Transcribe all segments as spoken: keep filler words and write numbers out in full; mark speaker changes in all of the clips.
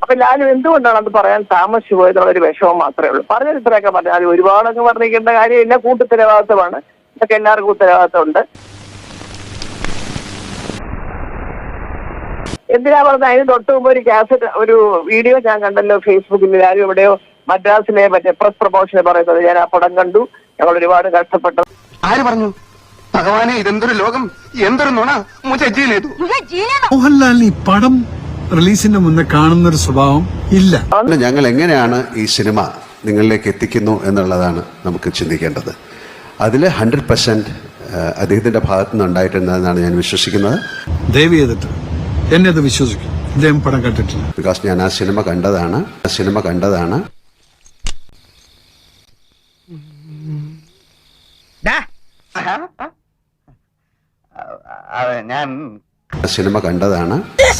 Speaker 1: അപ്പൊ ലാലു എന്തുകൊണ്ടാണ് അത് പറയാൻ താമസിച്ചു പോയതെന്നുള്ളൊരു വിഷമം മാത്രമേ ഉള്ളൂ. പറഞ്ഞത് ഇത്രയൊക്കെ പറഞ്ഞു. അത് ഒരുപാടൊക്കെ പറഞ്ഞിരിക്കേണ്ട കാര്യമില്ല. കൂട്ടുത്തരവാദിത്തമാണ്, ഇതൊക്കെ എല്ലാവർക്കും ഉത്തരവാദിത്തമുണ്ട്. എന്തിനാ പറഞ്ഞത്? അതിന് തൊട്ട് മുമ്പ് ഒരു കാസറ്റ് ഒരു വീഡിയോ ഞാൻ കണ്ടല്ലോ ഫേസ്ബുക്കിൽ. ലാലു എവിടെയോ മദ്രാസിലെ മറ്റേ പ്രസ് പ്രൊമോഷനെ പറയുന്നത് ഞാൻ ആ പടം കണ്ടു. ഞങ്ങൾ ഒരുപാട് കഷ്ടപ്പെട്ടു.
Speaker 2: ആര് പറഞ്ഞു? ഭഗവാനെ, ഇതെന്തൊരു ലോകം, എന്തൊരു നുണ.
Speaker 3: മോഹൻലാലിന് ഈ പടം റിലീസിന് മുന്നേ കാണുന്നൊരു സ്വഭാവം ഇല്ല.
Speaker 4: ഞങ്ങൾ എങ്ങനെയാണ് ഈ സിനിമ നിങ്ങളിലേക്ക് എത്തിക്കുന്നു എന്നുള്ളതാണ് നമുക്ക് ചിന്തിക്കേണ്ടത്. അതിൽ ഹൺഡ്രഡ് പെർസെന്റ് അദ്ദേഹത്തിന്റെ ഭാഗത്തു നിന്ന് ഉണ്ടായിട്ടുണ്ടെന്നാണ് ഞാൻ വിശ്വസിക്കുന്നത്.
Speaker 3: ദയവ് ചെയ്തിട്ട് എന്നെ അത് വിശ്വസിക്കും. ഇദ്ദേഹം പടം കണ്ടിട്ടില്ല.
Speaker 4: ബിക്കോസ് ഞാൻ ആ സിനിമ കണ്ടതാണ് ആ സിനിമ കണ്ടതാണ്
Speaker 2: ഞാൻ
Speaker 4: സിനിമ കണ്ടതാണ്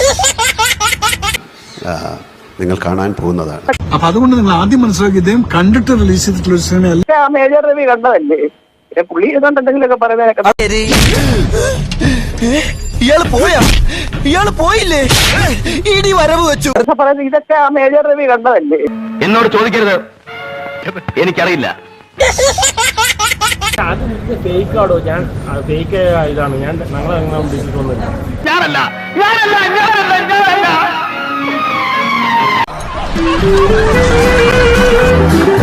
Speaker 4: നിങ്ങൾ കാണാൻ പോകുന്നതാണ്.
Speaker 3: അപ്പൊ അതുകൊണ്ട് നിങ്ങൾ ആദ്യം മനസ്സിലാക്കി ഇദ്ദേഹം കണ്ടിട്ട് റിലീസ് ചെയ്തിട്ടുള്ള സിനിമയല്ല.
Speaker 1: മേജർ രവി കണ്ടതല്ലേ? പുള്ളി ഏതാണ്ട് എന്തെങ്കിലുമൊക്കെ പറയുന്നതിനൊക്കെ
Speaker 5: ഇയാള് പോയാ ഇയാള് പോയില്ലേ? ഇടി വരവ് വെച്ചു
Speaker 1: പറയുന്നത് ഇതൊക്കെ ആ മേജർ രവി കണ്ടതല്ലേ?
Speaker 2: എന്നോട് ചോദിക്കരുത്, എനിക്കറിയില്ല.
Speaker 6: അത് ഫേക്കാടോ? ഞാൻ ഫേക്ക് ഇതാണ്. ഞാൻ ഞങ്ങളങ്ങനെ ഉദ്ദേശിച്ചിട്ടൊന്നുമില്ല.
Speaker 2: ഞാനല്ല ഞാനല്ല ഞാനല്ല ഞാനല്ല